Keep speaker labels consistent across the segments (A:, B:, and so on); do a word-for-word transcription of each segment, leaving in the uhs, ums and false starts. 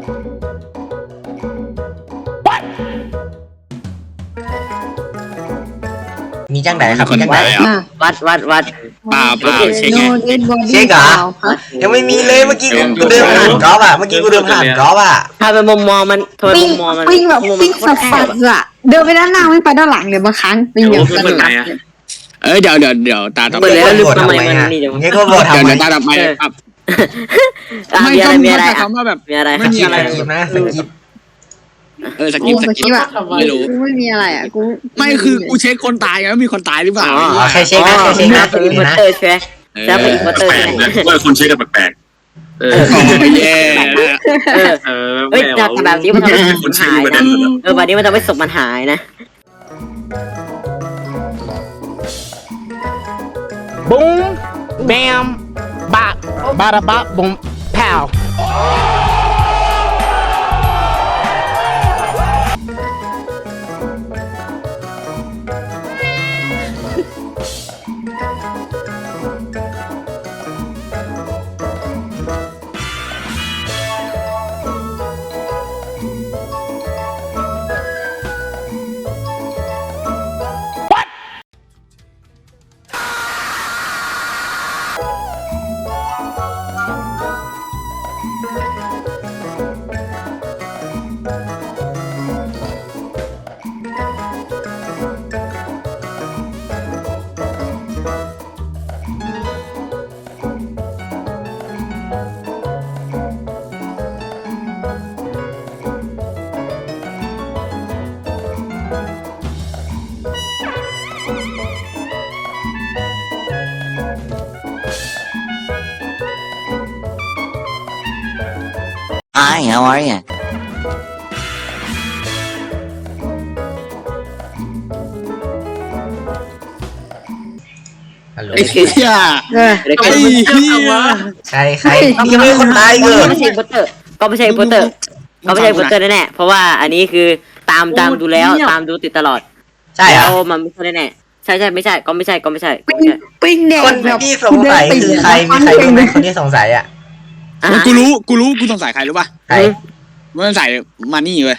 A: มีจังไหนครับมีจังไหน
B: วัดวัดวัด
C: ป่าป่าเช็คไง
A: เช็คเหรอยังไม่มีเลยเมื่อกี้กูเดินผ่านกอล์ฟอ่ะเมื่อกี้กูเดินผ่านกอล์ฟอ่ะ
B: ถ้าเป็นมุมมองมันทำไมมุมมองมัน
D: ปิ้งแบบปิ้งสัสสัสอะเดินไปด้านหน้าไม่ไปด้านหลังเลยบางครั้งปิ้งอย่างสนุก
C: เอ้ยเดี๋ยวเดี๋ยวเดี๋ยวตาต่อไป
B: เปิดแล้วลืมทำไมมันนี่
A: เดี๋
B: เดี๋
A: ย
B: ยว ว
A: ก็บอกทำไม
C: เดี๋ยวตาต่อไปครับไม่
B: มี
C: ก็
B: อะไรมีอะไร
C: คำว่าแบบ
B: มีอะไร
C: ไม่มีอะไร
A: สกิปนะสกิป
C: เออสกิปสกิป
D: อะ
C: ไม่รู้
D: กูไม่มีอะไรอะกู
C: ไม่คือกูเช็คคนตายไงว่ามีคนตายหรือเปล่า
A: อ๋อใครเช็คนะใครเช็คนะ
B: เป็นอินเวอร์เตอร์ใช่ไหมใช่เป็นอินเวอร์เตอร์
E: แปล
B: ใช่
E: ก
B: ไหม
E: นะว่าคนเช็คกันแปลก
C: เออแย่
B: เออ
E: ๆเออ
B: เฮ้ยแต่แบบนี้มันทำให้ศพมันหายนะเออแบบนี้มันทำให้ศพมันหายนะ
F: บูมแบมบะบาระบะบุมแผ่ว
G: Hi, how are you?
A: ฮัลโหล
C: ไอ้เหี้ย
B: เดี๋ยว
C: ไอ้
B: ก็
C: เหี้ย
A: ใครใครยังไม่มีคนตายเลย
B: ไม่ใช่อินเวอร์เตอร์ก็ไม่ใช่อินเวอร์เตอร์ก็ไม่ใช่อินเวอร์เตอร์แน่ๆเพราะว่าอันนี้คือตามตามดูแล้วตามดูติดตลอด
A: ใช่เหร
B: แล้
A: อ
B: วมันไม่ใช่แน่ๆใช่ใช่ไม่ใช่ก็ไม่ใช่ก็ไม่ใช่ก็
D: ปิ้ง
B: ไม่ใช่
D: ปิ้งแดง
A: คน
D: แบบ
A: ที่สงสัยคือใครมีใครรู้ไหมคนที่สงสัยอ่ะ
B: อ่ะ
C: กูรู้กูรู้กูสงสัยใครรู้ป่ะ
A: ใคร
C: กูสงสัยมานี่เว้ย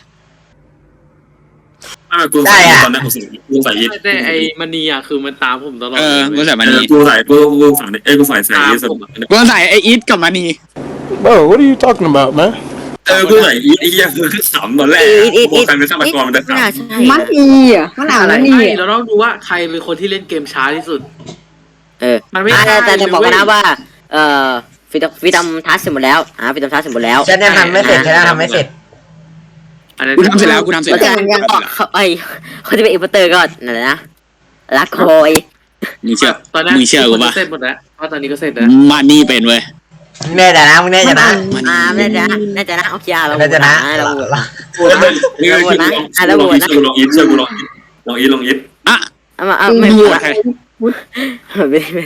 E: อ่ากูใส่ตอนนั้นกูใส่กูใส่ยิป
H: แต่ไอ้มันนีอ่ะคือมันตามผมตลอด
C: เออกูสงสัยมา
E: เออ
C: นี่
E: กูใส่กูกูใส่เอ้ยกูใส่ใส่ยิปสุด
C: กูสงสัยไอ้อีทกับมานี่
F: Bro what are you talking about man
E: เออกูใส่อีไอ้ยังคือขำตอนแรกกูใส่เป็นฆาตกรมันจะข
B: ไม่น่าใช่
D: มันอีอ่ะมันอ่านมันอี
H: ใช่
D: อ่ะ
H: เราต้องดูว่าใครเป็นคนที่เล่นเกมช้าที่สุด
B: เออ
H: มันไม่
B: อ่ะ
H: ได้
B: แต่จะบอกกันนะ
H: เลยเว้ย
B: ว่าเอ่อฟิตฟิตทำทัสเสร็จหมดแล้วอ่าฟิตทำทัสเสร็จหมดแล้ว
A: ฉันยังทำไม่เสร็จฉันยังทำไม่เสร็จ
H: อันนั้น
C: กูทำเสร็จแล้วกูทำเสร็จ
B: ก็
C: แล้
B: จะ
C: ว
B: เขาไอ้เขาจะเป็นอินเวอร์เตอร์ก็นั่นแหละนะรักโคย
C: มึงเชื่อ
H: ตอนนั้น
C: มึงเชื่อกูป่ะ
H: เสร็จหมดแล้วเพราะตอนนี้ก็เสร็จแล้ว
C: มานี่เป็นเว้ย
A: แน่ใจนะมึงแน่ใจนะ
B: อ่าน่าจะน่าจะนะโอเคเรา
A: แน่ใจนะ
B: เราโหวตนะ
E: กูนี่คือลองอีทลองอีทช่วยกูลองลองอีทลองอีท
C: อ่ะ
B: เอามาเอาไม่พูด
C: ใคร
B: ไม่ไม่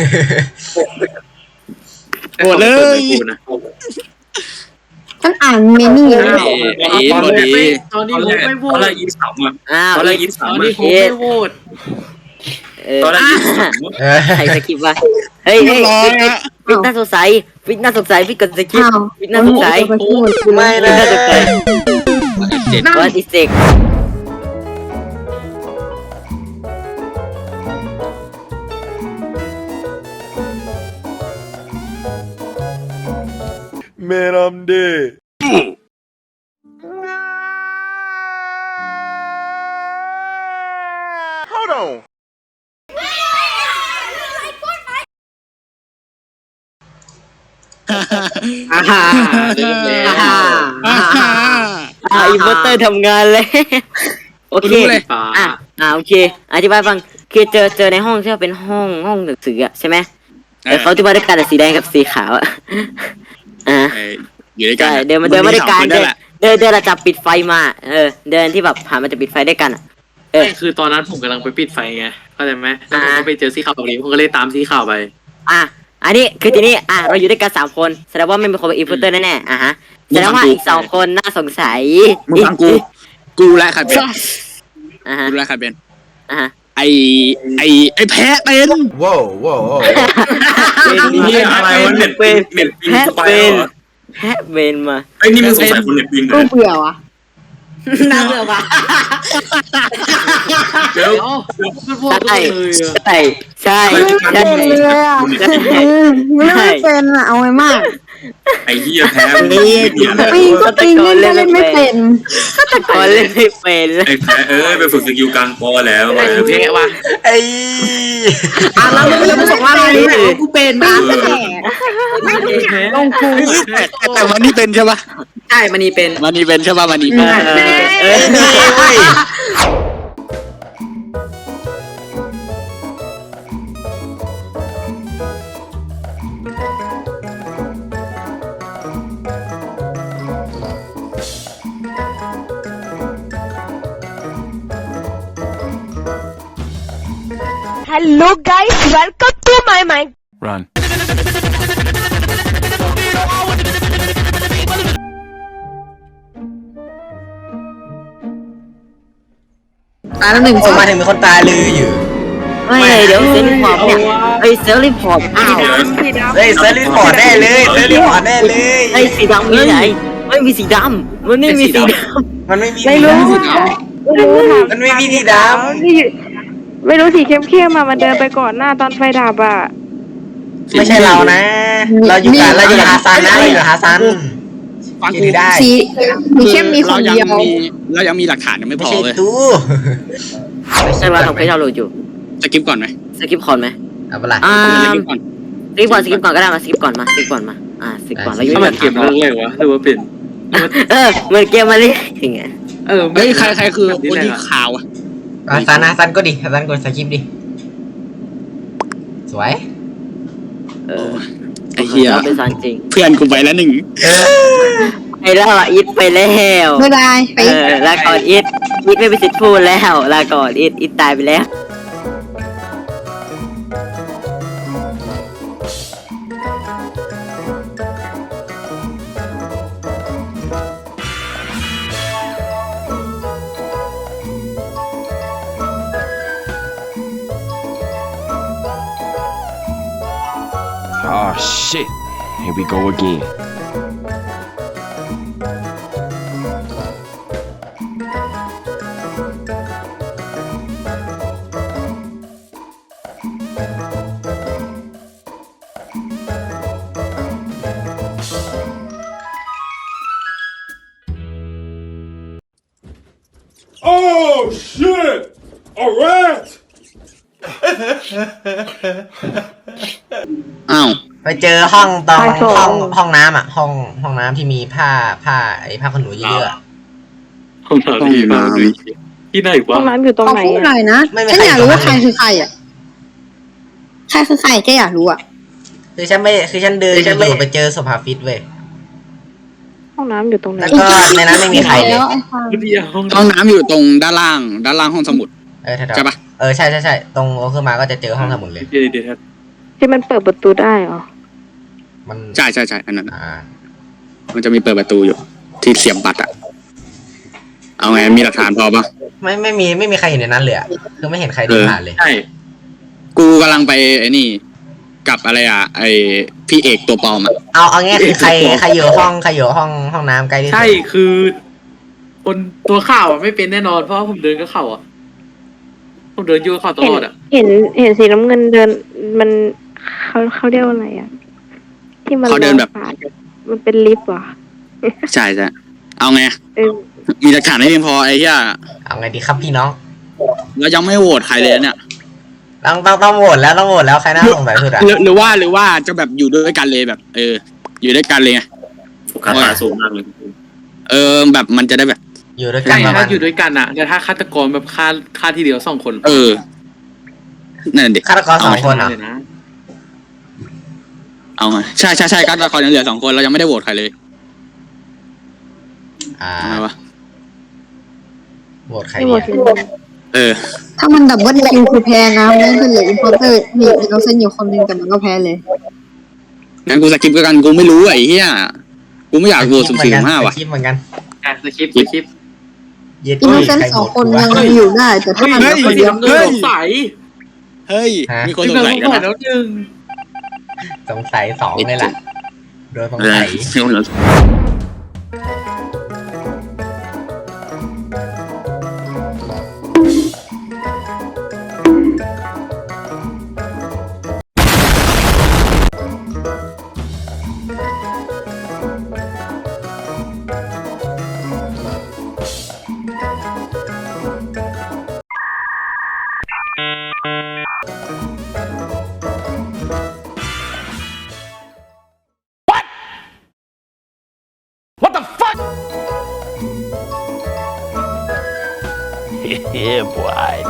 C: โหวตเลย
D: มันอ่านเมนี่
C: ไอ้อีทโหวตดี
H: ตอนนี้
E: ตอน
H: ผม
E: แรก
H: ไม่โหว
E: ตอน
H: ต
E: แรกอีทขำอ่ะ
B: อ้าว
E: ตอนแรกอีท
H: ตอน
E: ขำ
H: นี้
E: อ่ะ
H: ผมไม่โหวต
B: เออ
E: ตอนแรกอีทขำ
A: เออ
B: ใครสกิปวะเฮ้ยเฮ้ยฟิตน่าสงสัยฟิตน่าสงสัยฟิตกดสกิป
D: อ้าว
B: ฟิตน่าสงสัย
A: ไม่
B: ฟิ
A: เล
B: ตน่าสงสัย
C: เจ็ด
B: ว่าอิเซก
F: Man I'm dead Hold on
H: อ่าฮ่าเริ่มแล้ว
B: อ่าอ่าอินเวอร์เตอร์ทำงานเลยโอเค
H: ป่า
B: อ่ะอ่าโอเคอธิบายฟังคือเจอเจอในห้องที่ว่าเป็นห้องห้องหนังสืออะใช่ไหมแต่เขาที่ว่าด้วยกันสีแดงกับสีขาวอะอ่า
C: อยู่ด้วยกั
B: ใช่
C: น
B: เดินมาเดินมาด้วยกัน
C: นั่
B: เดิ
C: น
B: น
C: แหละ
B: เดินเดินเราจับปิดไฟมาเออเดินที่แบบผ่านมันจะปิดไฟด้วยกันอะเออ
H: ไม่คือตอนนั้นผมกำลังไปปิดไฟไงเข้าใจไหมแล้วผม
B: อ่า
H: ก็ไปเจอสีขาวตรงนี้ผมก็เลยตามสีขาวไป
B: อ่ะอันนี้คือทีนี้อ่ะเราอยู่ด้วยกันสามคนแสดงว่าไม่มีคนเป็นอินฟลูเอนเตอร์แน่ๆอ่ะฮะแสดงว่าอีกสองคนน่าสงสัย
C: มึงฟังกู กูและใครเป็น
B: อ่ะฮะ
C: กูและใครเป็น
B: อ่ะฮะ
C: ไอไอไอแพ้เป็น
A: ว้าวว้าว
B: เป็น
E: นี่อะไรวะเน็ต
B: เป็น
E: เน็ต
B: แพะ
E: สไป
B: เป็
E: ร์
B: น
E: เหรอ
B: แฮะเบนมา
E: ไอ้นี่มึงสงสัยคนเน็ตปิงเล
D: กู
E: ย
D: เบื่อวะ
B: น่าเบื่อปะ
E: เดี๋ยว
H: มันพวก
B: ใช่
H: เลยอะ
B: ใช่ใช่ใช่
D: ไม่เป็นเลยอ่ะไม่ไม่เป็นอ่ะเอาไว้มาก
E: ไอ้เหี้ยแพ้ไม่เหี้ยอะไร
D: ปีก็ปีเล่นเล่นไม่เป็น
B: ตะโกนเล่นไม่เป็น
E: ไอ้แพ้เอ้ยไปฝึกสกิลกลางปอแล้ว
H: ไอ้คือเพะวะ
A: ไอ้
F: อ่ะแล้วมึงจะมาส่งว่าอะไรเนี่ยกูเป็น
D: ปี
F: นะ
D: ก็แก่ลงคู
C: แต่แต่มันนี่เป็นใช่ปะ
F: ใช่มันนี่เป็น
C: มันนี่เป็นใช่ปะมันนี่เป็น
B: เออเออ
A: นี่เว้ย
I: Hello guys, welcome to my mind.
J: Run.
D: ตายแล้วหนึ่ง
A: โอ้มาถึงมีคนตายเลยอยู่
B: ไม่เดี๋ยวเซลล์พอร์ตเนี่ยไอ้เซลล์พอร์ตอ้าว
A: เฮ้ยเซอร์ลิพอร์ตแน่เลยเซอร์ลิพอร์ตแน่เลย
B: ไอ้สีดำมีไหนไม่มีสีดำมันไม่มีสีด
A: มันไม่มี
I: ไม่รู้
A: สีด
I: ไม่รู้ถาม
A: ำมันไม่มีสีด
I: ที่ไม่รู้สีเข้มๆมามันเดินไปก่อนหน้าตอนไฟดับอ่ะ
A: ำไม่ใช่เรานะ เราอยู่กับเราอยู่กับฮาซันนะเราอยู่กับฮาซัน
C: ฟัง
A: คิ
C: กู
A: ดได้
D: สีมีเข้มมีค
C: เรา
D: น
C: ยัง
D: เดียว
C: มีเรายังมีหลักฐานยังไม่
A: ไม่
C: พอ
A: ใช่
C: เลย
A: ตู้
B: ำใช่ว่าทำให้เราโหลดอยู่
C: สกิปก่อนไหม
B: สกิปคอนไหม
A: เอาเปล่า
B: อ่า
C: สกิปก่อน
B: สกิปก่อนสกิปก่อนก็ได้มาสกิปก่อนมาสกิปก่อนมาอ่าสกิปก่อนแล้วยุ่
H: ถ้าง มัน
B: กัน
H: เก็บเรื่องเลยวะหรือว่าเป็น
B: เออเหมือนเกมมาเลยอย่างเงี้ย
H: เออ
C: เฮ้ยใครใครคือคนที่ข่าวอะ
A: ฮาซันฮาซันก็ดิฮาซันกดสกิปดิสวย
B: เออ
C: ไอ้เหี้ย
B: เราเป็นสารจริง
C: เพื่อนกูไปแล้วหนึ่ง
B: ไอ้แล้วอ่ะอิดไปแล้ว
D: ไม่ได้ไป
B: เออลาก่อนอิดอิดไม่มีสิทธิ์พูดแล้วลาก่อนอิดอิดตายไปแล้ว
J: Oh shit. Here we go again.
E: Oh shit a rat
C: อ้าว
A: ไปเจอห้องตรงห้องห้องน้ำอ่ะ ห้องห้องน้ำที่มีผ้าผ้าไอ้ผ้าขนหนูเยอะๆอะ
H: ห้องน้ำที่บ้านเลยที่ไหน
I: ห้
H: วะ
I: องน้ำอยู่ตรง
D: ขอ
I: ไหน
D: พูดหน่
I: อ่ะ
D: อยนะฉันอยากรู้ว่าใครคือใครอ่ะใครคือใครแกอยากรู้อ่ะ
A: คือฉันไม่คือฉันเดินอยู่ๆไปเจอโซฟาฟิตเว้ย
I: ห้องน้ำอยู่ตรงไหน
A: แล้วก็ในนั้นไม่มีใครเลย
D: แล้วไอ้ฟัง
H: เดียวห้อง
C: ห้องน้ำอยู่ตรงด้านล่าง ด้านล่างห้องสมุด
A: เออแถวๆ
C: ใช่ปะ
A: เออใช่ใช่ใช่ตรงโอขึ้นมาก็จะเจอห้องสมุดเลย
H: เดี๋ยวเดี๋ยวครับ
I: ที่มันเปิดประตูได้เหรอ
A: มัน
C: ใช่ใช่ใช่อันนั้นอะ
A: อ่า
C: มันจะมีเปิดประตูอยู่ ที่เสียบบัตรอะเอาไงมีหลักฐานพอปะ
A: ไม่ไม่มีไม่มีใครเห็นในนั้นเลยอะคือไม่เห็นใครเดินผ่านเลย
H: ใช่
C: กูกำลังไปไอ้นี่ กับอะไรอ่ะ ไอพี่เอกตัวปลอมอ่ะ
A: เอาเอาง่ายคือใครใครอยู่ห้องใครอยู่ห้องห้องน้ำใกล้ที่สุด
H: ใช่คือ คนตัวข่าวอ่ะไม่เป็นแน่นอนเพราะว่าผมเดินก็เข่าอ่ะผมเดินอยู่กับเข่าต
I: เห็
H: ล
I: น
H: อดอ่ะ
I: เห็นเห็นสีน้ำเงินเดินมันเขาเขาเรียกว่าอะไรอ่ะ ที่มัน
C: เขาเดินแบบ
I: ลงผ่านมันเป็นลิฟต์เหรอ
C: ใช่ใช่เอาไง
I: เออ
C: มีหลักฐานให้เพียงพอไอ้เหี้ย
A: เอาไงดีครับพี่น้อง
C: แล้วยังไม่โหวตใครเลยเนี่ย
A: ต้องต้องต้องโหวตแล้วต้องโหวตแล้วใครน่าสงสัยสุดอะ
C: หรือหรือว่าหรือว่าจะแบบอยู่ด้วยกันเลยแบบ เออ อยู่ด้วยกันเลยไง
E: คาถาสูงมากเลย
C: เออแบบมันจะได้แบบ
A: อยู่ด้วยกั
H: ใช่
A: นประมา
H: ถ้า
A: ณ
H: อยู่ด้วยกันอ่ะแต่ถ้าฆาตกรแบบฆ่าฆ่าทีเดียวสองคน
C: เออนั่นดิ
A: ฆาตกรสองคนเหรอ
H: เลยนะ
C: เอาไงใช่ใช่ใช่การละครยังเหลือสองคนเรายังไม่ได้โหวตใครเลย
A: อ่า
C: ทำไมวะ
A: โหวตใคร
I: ไม่
A: ดี
I: หมด
A: อะ
I: สิ
C: เออ
D: ถ้ามันดับเบิลคิวคือแพ้นะไม่งั้นเป็นเหลืออินพอร์เตอร์มีอินโนเซนต์อยู่คนหนึงแต่มันก็แพ้เลย
C: งั้นกูสกิปกันกูไม่รู้ไอ้เหี้ยกูไม่อยากโหวตสุ่มสี่สุ่มห้าว่ะ
A: สคริปต์เหมือนกัน
H: อ่ะสคริปต์สคริปต์
A: เย็ด
D: อินโน
A: ที่
D: เซน
A: ใคร
D: ต์ส
A: โห
D: อ
A: ว
D: ง
A: ต
D: คน
A: กูวะ
D: ยังอยู่ได้ แต่ถ้ามันเหลือคนเดียว
H: เงินสงสัย
C: เฮ้ย
A: ฮะ
C: มีคน
H: ที่
C: สง
H: เรา
C: สัย
H: ส
C: กัน
H: งสัย
C: นะ
H: แล้วหนึ่ง
A: สงสัยสองเลยล่ะโดนสง
C: เออ
A: สัย
F: What the fuck? Yeah, boy.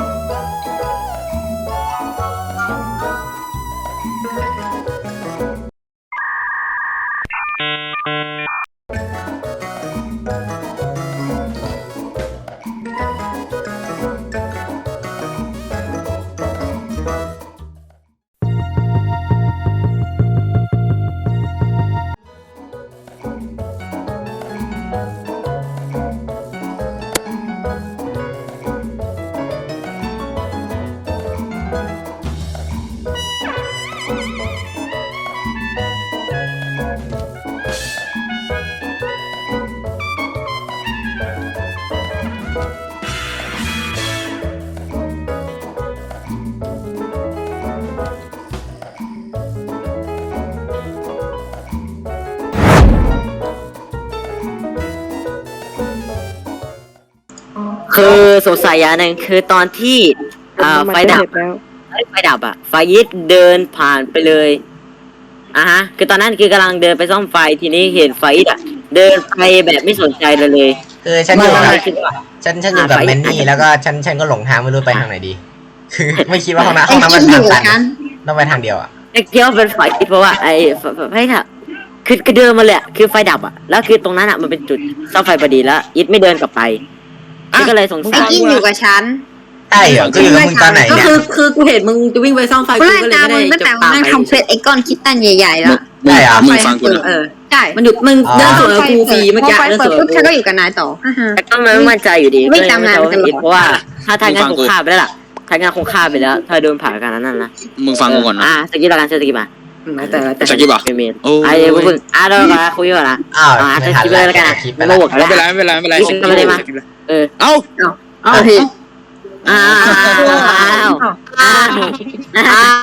B: คือสงสัยอย่างหนึ่งคือตอนที่อ่าไฟดับ
I: แล้ว
B: ไฟดับอะไฟยิดเดินผ่านไปเลยอ่ะฮะคือตอนนั้นคือกำลังเดินไปซ่อมไฟทีนี้เห็นไฟยิดอะเดินไปแบบไม่สนใจเลยเลย
A: คือฉันอยู่กับ
B: ไม่คิดว่า
A: ฉันฉันอยู่กับ
B: อ่าไป
A: แมนนี่แล้วก็ฉันฉันก็หลงทางไม่รู้ไปทางไหนดี คือไม่คิดว่าห้องน้ำห้องน้ำมัน
D: ไอ้
A: ทาง
D: คิดอยู่กับฉั
A: ตัน
D: น
A: ต้องไปทางเดียวอ่ะ
B: ไอ้เที่ยวเป็นไฟยิดเพราะว่าไอ้ไฟไฟดับคือคือเดินมาเลยอะคือไฟดับอะแล้วคือตรงนั้นอะมันเป็นจุดซ่อมไฟพอดีแล้วยิดไม่เดินกลับไปก็เลยสง
D: ไอ้
B: สัย
D: กินอยู่กับฉัน
A: ใช่เหรอก็อยู่กับมึงตอนไหน
K: ก็
A: เนี่ย
K: คือคือกูเห็นมึงจะวิ่งไปซ่อมไฟ
D: กู
K: กู
D: ไล่
K: ก็เลย
D: ตาม
K: ไม่
D: มึ
K: ได้
D: งตั้งแต่
K: จะ
D: วัน
K: ตาม
D: นั้น
K: ไป
D: ทำเฟซไอ้ก้อนคิดตันใหญ่ๆแล้ว
A: ได้เหรอ
C: มึงฟังกูนะ
K: เออ
D: ใช่
K: มันหยุดมึง
A: อ๋อ
K: เดินสวนกับกูฟรีเมื่อกี้
D: พอไฟ
K: เดิน
D: เปิ
K: ส
D: ด
K: วน
D: ปุ๊บ
K: กับ
D: ฉันก็
K: กู
D: อยู่กับนายต่อฮ่าฮ่า
B: แต่ก็ไม่มั่นใจอยู่ดี
D: ไม่
B: ก็เลย
D: ตามงาน
B: ไม่
D: กันหรอก
B: เพราะว่าถ้าทางงานคงฆ่าไปแล้วล่ะทางงานคงฆ่าไปแล้ว ถ้าโดนผ่านกันนั้นนะ
C: มึงฟังกูก่อนนะ
B: อ่ะสกิปละกันสกิปมา
K: แต่ละแต่
C: สกิปเหรอ
B: เป็นเมน
C: โอ้
B: ไอ้เดี๋ยวพึ่งอ่ะเดี๋ยวมาคุยก่อนนะ
A: อ้าว
B: อ่ะ
A: ไม่
B: ส
A: ทัน
B: กิปเลยแล้วกันนะ
A: คลิปไป
B: ไม่
A: แล้ว
B: มาบวก
C: ไม่เป็นไรไม่เป็นไรไม่เป็นไร
B: สกิปเลยมาเออ
C: เอ้า
K: อ้าว
D: ผิด
B: อ้าวอ้าวอ้าวอ้าว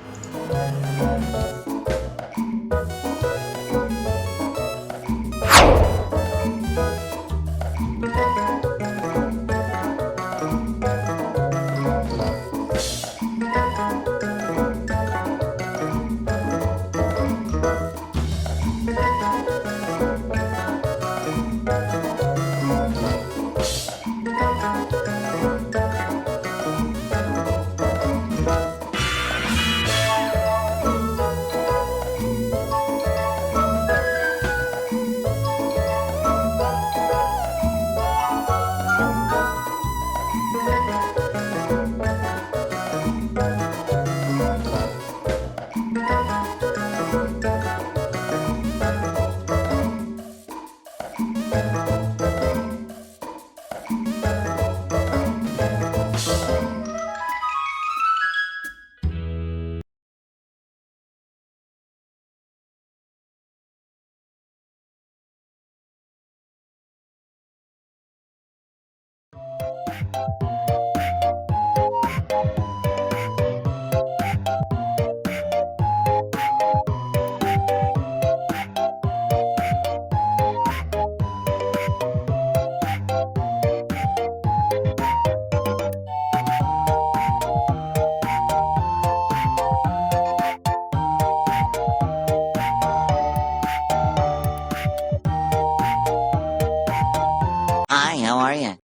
G: Hi, how are you?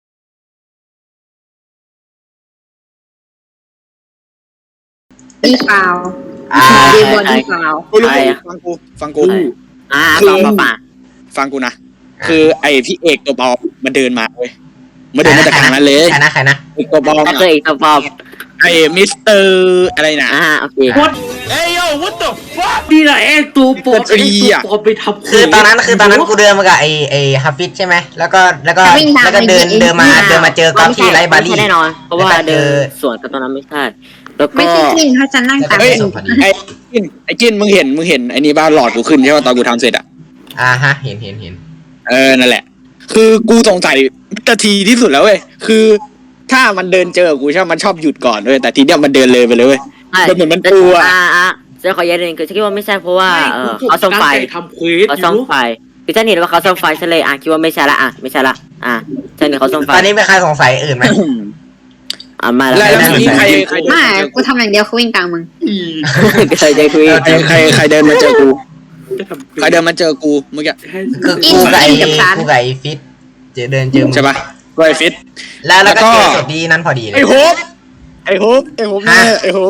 D: ดีเปล่า
A: อ่า
D: ดีบอดีเปล่า
C: กูรู้ฟังกูฟังกู
B: อ่า
C: คือ
B: ฟังป่ะป่ะ
C: ฟังกูนะคือไอพี่เอกตัวเบามันเดินมาเว้ยมันเดินมาจากทางนั้นเลย
A: ใครนะใครนะ
C: เอกตัวเบา
B: ก็คืออีกตัวปอบ
C: ไอมิสเตอร์อะไรนะ
B: อ่าโอเค
F: Hey yo, what the fuck?
H: นี่แหละไอ้ตัวปลอม
C: มันฟรี
H: ไอ้
C: อะ
H: ตัวปลอมไปทำ
A: คือตอนนั้นคือตอนนั้นกูเดินมากับไอไอฮัฟฟิตใช่ไหมแล้วก็แล้วก็
D: วิ่งตาม
A: แล้วก็เดิน
D: ไปยิง
A: เดินมาเดินมาเจอก๊อฟที่ไร้บา
B: ไม่
A: รี่
B: ใช่แน่นอน เพราะว่า
A: แล้วก็เจ
B: เดิ
A: อ
B: นสวนกับตรงนั้นไม่ใช่แล้วก็
D: ไม่ใช่กินถ้าฉันนั่งตาม
C: เฮ้ย
D: กิน
A: พอดี
C: ไอ้กินไอ้กินมึงเห็นมึงเห็นไอ้นี่บ้าหลอดกูขึ้นใช่ป่ะตอนกูทำเสร็จอ่ะ
A: อ่าฮะเห็นเห็นเห็น
C: เออนั่นแหละ คือกูสงสัยนาทีที่สุดแล้วเว้ยคือ ถ้ามันเดินเจอกูใช่ไหมมันชอบหยุดก่อนเว้ยแต่ทีเนี้ยมันเดินเลยไปเลยเว้ย
B: ใช่
C: มันเหมือนมันกลัว
B: อ่าอ่าจะขอแย้งนิดนึงคือฉันคิดว่าไม่ใช่เพราะว่าเออเขาซ่อมไฟ
H: ทำเควส
B: เขา
H: อ
B: ซ่อยู่ มไฟคือฉันเห็นว่าเขาซ่อมไฟฉันเลยอ่ะคิดว่าไม่ใช่ละอ่ะไม่ใช่ละอ่ะฉันเห็นเขาซ่อมไฟ
A: ตอนนี้มีใครสงสัยอื่นไหม
B: อ่ะมา
C: แล้ว
B: แล้ว
C: แล้วเมื่อกี้ใครใครเดิน
D: ไม่
C: มาเจอ
D: กูทำอย่างเดียวคือวิ่งตามมึง
B: เคยจะคุย
C: ใครใครใครเดินมาเจอกู
H: จะทำ
C: ใครเดินมาเจอกูเมื่อกี้
H: ให้
A: คือกูกับไอ้กูกับไอ้ฟิตเจอเดินเจอมึง
C: ใช่ป่ะก็ไอ้ฟิต
A: แล้วแล้วก็
C: แล้วก็
A: เจอศพดีนั้นพอดีเลย
C: ไอ้โฮปไอ้โฮปไอ้โฮปเนี่ยไอ้โฮป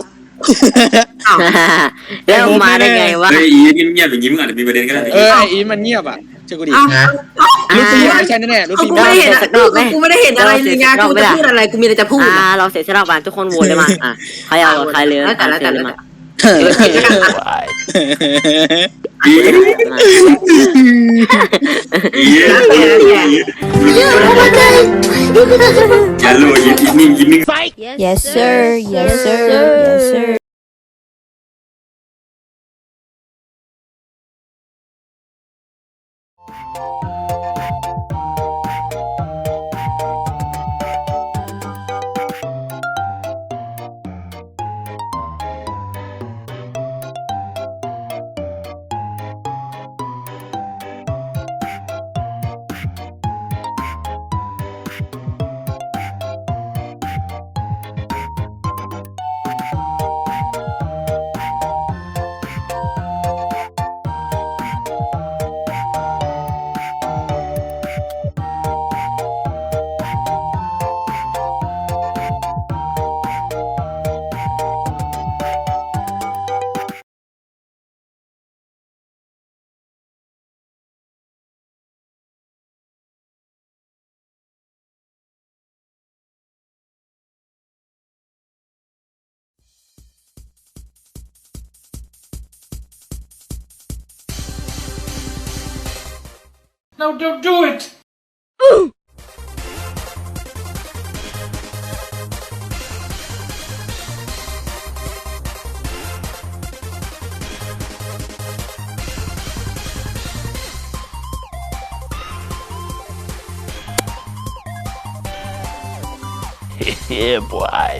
B: แล้วมาได้ไงวะ
E: เฮ้ยอีเงียบๆอย่างนี้มึงอาจจะมีประเด็นก็ได้
C: เออไอ้อีมันเงียบอ่ะเชื่อกูดิ
K: เอ้า
A: นะ
C: ลูฟี่ไม่ใช่แน่ๆลู
K: เอา
C: ฟี่
K: กูไม่ได้เห็นอะกูกูไม่ได้เห็นอะไรเลยไงกูจะพูดอะไรกูมีอะไรจะพูด
B: อ่า
K: อะ
B: เราเสียสละบานทุกคนโหวตเลยมาอ่ะใครเอาใครเลย
K: แล้วแต่แล้วแต่แล้วแต่
E: อีอีอย่าโลอีอีนิ่งอีนิ่ง
I: yes sir yes sir yes sir
H: No, don't do it.
J: Yeah, boy.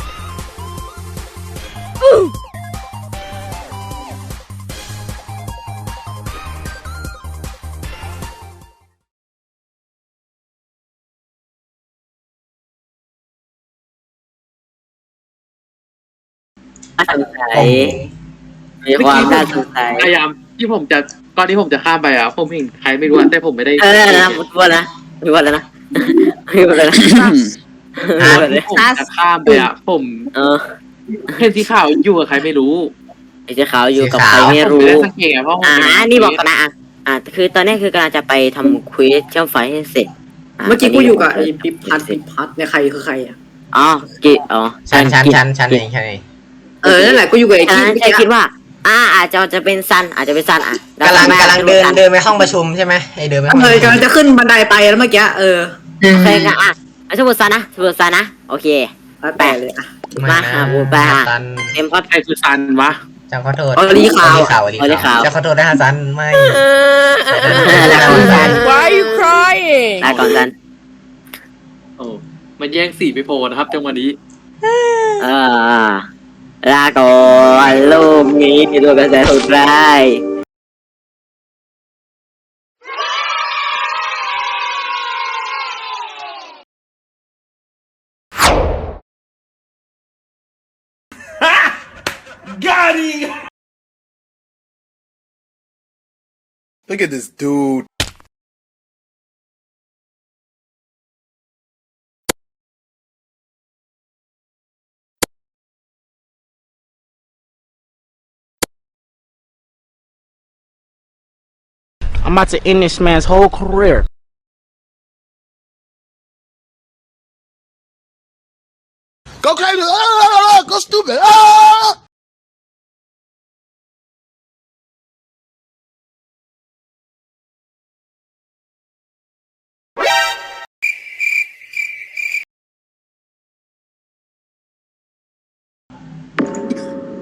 B: น่าสงสัยมีความน่าสงสัย
H: พยายามที่ผมจะก่อนที่ผมจะข้ามไปอ่ะผมเห็นใครไม่รู้อะแต่ผมไม่ได้
B: เออนะมุดวันนะมุดวันแล้วนะมุดวันแล้วนะมุดวันเลย
H: ผมจะข้ามไปอ่ะผม
B: เออ
H: เห็นสีขาวอยู่กับใครไม่รู้
B: ไอ้เจ้าขาวอยู่กับใครไม่
H: ผม
B: รู้
H: ไม่ได้สังเกตเพราะผม
B: อ่า
H: ไม่ได้
B: นี่บอกก่อนนะอ่ะอ่าคือตอนนี้คือกำลังจะไปทำควิสเชื่อมไฟให้เสร็จ
K: เมื่อกี้กูอยู่กับไอ้พิพัฒน์พิพัฒน์เนี่ยใครคือใครอ่ะ
B: อ๋อกิอ๋อ
A: ชันชันชันชันเองชันเอง
K: เออนั่นแหละกูอยู่กับไอ้
B: ฉะ
K: ที่
B: นั้นใจคิดว่า อ่า อาจจะจะเป็นซัน อาจจะเป็นซันอ่ะ
A: กำลังกำลังเดินเดินไปห้องประชุมใช่ไหมไอเดินไปห้อง
K: เออกำลังจะขึ้นบันไดไปแล้วเมื่อกี้เออ
B: โอเคงั้นอ่ะเอาสมมติซันนะสมมติซันนะ โอเค
K: แล้วแต่เลยอ่ะ
B: มาหาบูบา
A: ซัน
B: เต็มพัด
H: ใครคือซันวะ
A: จังขอโทษ
K: ออลีขาว
A: ขาวอลีขาวจะขอโทษนะฮะซันไม่
B: แล้วก่อนซัน
F: Why are you crying?
B: แล้วก่อนซัน
H: โอ้มันแย่งสีไปโพนะครับจังหวะนี้
B: เออลาก่อนลูกนี้มีตัวกระแสสุดร้าย
J: Got him!
L: Look at this dude.
F: I'm about to end this man's whole career.
L: Go crazy. Ah, go stupid. Ah!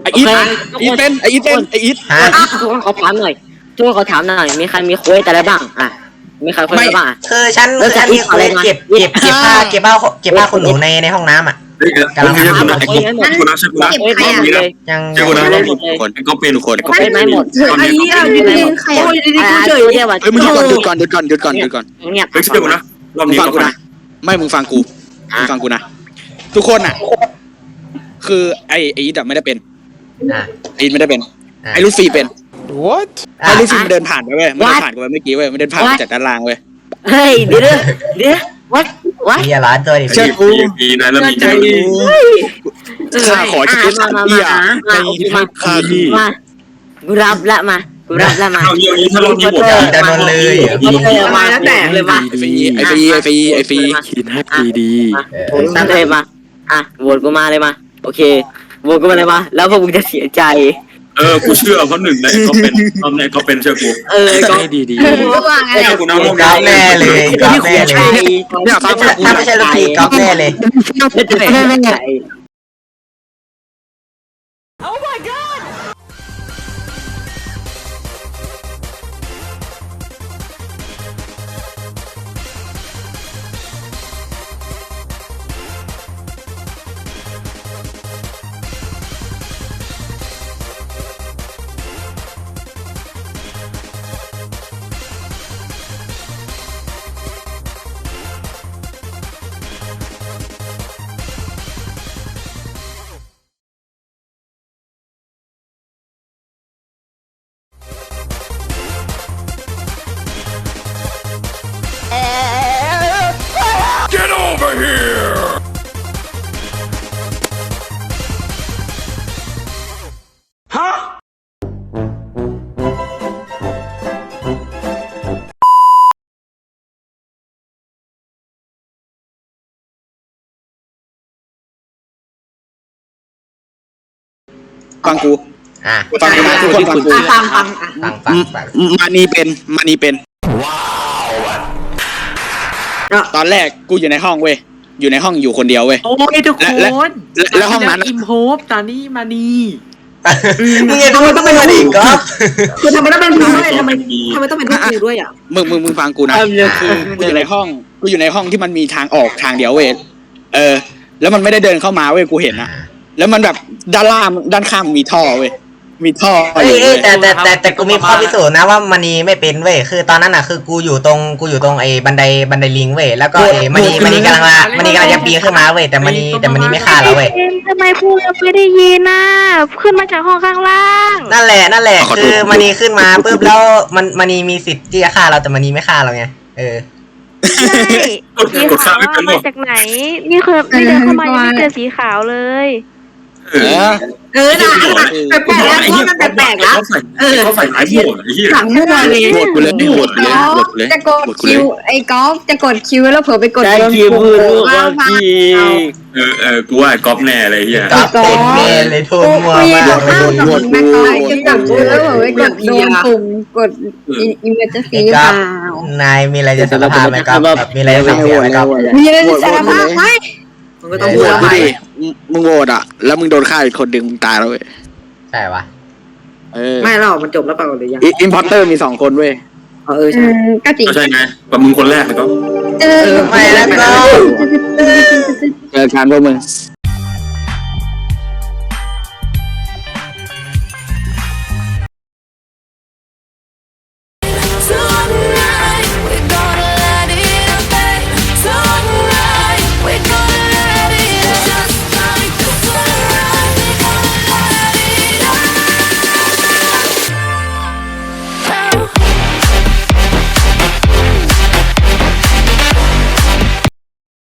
C: ไออีทอีทเป็นไออีทเป็นไออีท
A: ฮะ
B: ทุกคนขอถามหน่อยทุกคนขอถามหน่อยมีใครมีคุยแต่อะไรบ้างอ่ะมีใครคุยอะไรบ้าง
A: คือฉันฉันมีคนเก็บเก็บเก็บผ้าเก็บผ้าเก็บผ้าคนหนูในในห้องน้ำอ่ะ
E: กำลังทำกูนะกูนะใช่กูนะ
B: เก็บใครอ่ะ
A: ยัง
E: ใช่กูนะคนก็เป็นคน
B: เป็นไหมหมด
K: ไอ้เหี้ยยืนใครโอ้ยดีๆกูเฉย
B: เรียกว่า
C: เฮ้ยมึงหยุดก่อนหยุดก่อนหยุดก่อนหยุดก่อนหยุดก่อน
B: เงียบ
E: เฮ้ยใช่กูนะรอบ
C: มึง
E: นี้
C: ฟัง
E: ก็
C: กูนะไม่มึงฟังกูมึงฟังกูนะทุกคนอ่ะ คือไอไออีทไม่ได้เป็น
A: อ่ะ
C: ไออีทไม่ได้เป็นไอลูฟี่เป็น
J: What?
C: ไอลูฟี่มันเดินผ่านไปเว้ยมันเดินผ่านกูไปเมื่อกี้เว้ยมันเดินผ่านมาจากด้านล่างเว้ย
B: เฮ้ยเดี๋ยวเดี๋ยววัดวัด
A: มีร้านตัวดิ
C: เชื่อกู
E: ดีนะแล้วมีใจ
C: ข้าขอจะเป็นสัตว์เตี้ยในข้าที่
B: มากูรับละมากูรับละมา
E: เราเยี่ยมนี้ถ้าเรามีหมด
A: จะโดนเลย
B: มาแล้วแต่เลยมา
C: ไอฟีไอฟีไอฟีไอฟี
J: คิดให้ดีดี
B: ตั้งเลยมาอ่ะโหวตกูมาเลยมาโอเคโหวตกูมาเลยมาแล้วพวกมึงจะเสียใจ
E: เออกูเชื่อเพราะหนึ่งในก็เป็นรอบในก็เป็นเชื่อกู
B: เออก็
J: ให้ดีดี
D: ก็ว่าไง
E: เชื่อกูนะรอบ
A: ก๊อฟ
E: นี้
A: แน่เลยก๊อฟแน่เลย
C: เนี่ยฟังฟังกู
A: ถ้าไม่ใช่ลูกพี่ก๊อฟแน่เลย
B: ไม่ใช่
C: ฟังกู
A: อ่ะ
C: ฟังกูนะทุกคนฟังกู
K: อ่ะฟังฟังอ่ะ
A: ฟังฟังฟัง
C: มานีเป็นมานีเป็นตอนแรกกูอยู่ในห้องเว้ยอยู่ในห้องอยู่คนเดียวเว้ย
H: โอ้ยทุกคน
C: และและและห้องนั้น
H: อิมโฮปตอนนี้มานี
A: มึงยังต้องเป็นคนอีกก๊อฟ
K: คือทำไมต้องเป็นกูด้วยทำไมทำไมต้องเป็นพวกกูด้วยอ่ะ
C: มึงมึงมึงฟังกูนะคือกูอยู่ในห้องกูอยู่ในห้องที่มันมีทางออกทางเดียวเว้ยเออ แล้วมันไม่ได้เดินเข้ามาเว้ยกูเห็นนะแล้วมันแบบด้านล่างด้านข้างมันมีท่อเว้ยมีท่อ
A: เอ้ยเอ้ยแต่แต่แต่แต่กูมีข้อพิสูจน์นะว่ามันนีไม่เป็นเว้ยคือตอนนั้นอ่ะคือกูอยู่ตรงกูอยู่ตรงไอ้บันไดบันไดลิงเว้ยแล้วก็ไอ้มันนีมันนีกำลังละมันนีกำลังจะปีนขึ้นมาเว้ยแต่มันนีแต่มันนีไม่ฆ่าเราเว้ย
I: ทำไมพูดไม่ได้ยินน่ะขึ้นมาจากห้องข้างล่าง
A: นั่นแหละนั่นแหละคือมันนีขึ้นมาปุ๊บแล้วมันมันนีมีสิทธิ์ที่จะฆ่าเราแต่มันนีไม่ฆ่าเราไงเออ
I: ใช่สีขาวอะมาจากไหน นี่คือนี่เดินเข้ามายังไม่เจอสีขาวเลย
E: เออ
K: เออนะแปลกๆแล้วเพราะมันแปลกๆแล้วเออ
E: เขาใส่ไม้หมดไอ้เหี้ย
K: หลังมั่วเลย
C: โหวตกูเลยโหวตกูเลยโหวตกูเลย
D: จะกด
C: โหวตกู
D: คิ
C: เล
D: วย ไอ้กอล์ฟจะกดคิวแล้วเผื่อไปกด
B: ได้
D: โดน
B: คิว
D: ปุ่ม
B: พูดลูก
D: ว่า
B: ว่า
D: ว่า
B: พี่
E: เออเออกูว่าก๊อฟแน่เลยเหี้ย
A: ก๊อฟเป็นแน่เลยโทษมัว
D: คุย
A: มาก
D: กับข้าวกับมึงแม่กอยจะกดคิวแล้วเผื่อไปกดโดนปุ่มกดอิมเมจซีหรือเปล่าน
A: ายมีอะไรจะสารภาพไหมครับแบบมีอะไรจะเสียไหมครับ
D: มีอะไรจะสารภาพไหม
K: มันก็ต้อง
C: โห
K: พู
C: ว
K: ด
C: ต
K: ว่า
C: กู
K: ใหม่
C: ดิมึงโหวตอ่ะแล้วมึงโดนฆ่าอีกคนดึงมึงตายแล้วเว้ย
A: ใช่ปะ
C: เออ
K: ไม่หรอกมันจบแล้วเปล่าหรือยัง
C: อิมพอร์เตอร์มีสองคนเว้ย
K: เออ
D: อื
K: ใช่
D: มก็จริง
E: ก็ใช่ไงแบบมึงคนแรกเลยก็
D: เออ
A: ไม่แล้วก็
C: เจอกันพวกมึง
D: เ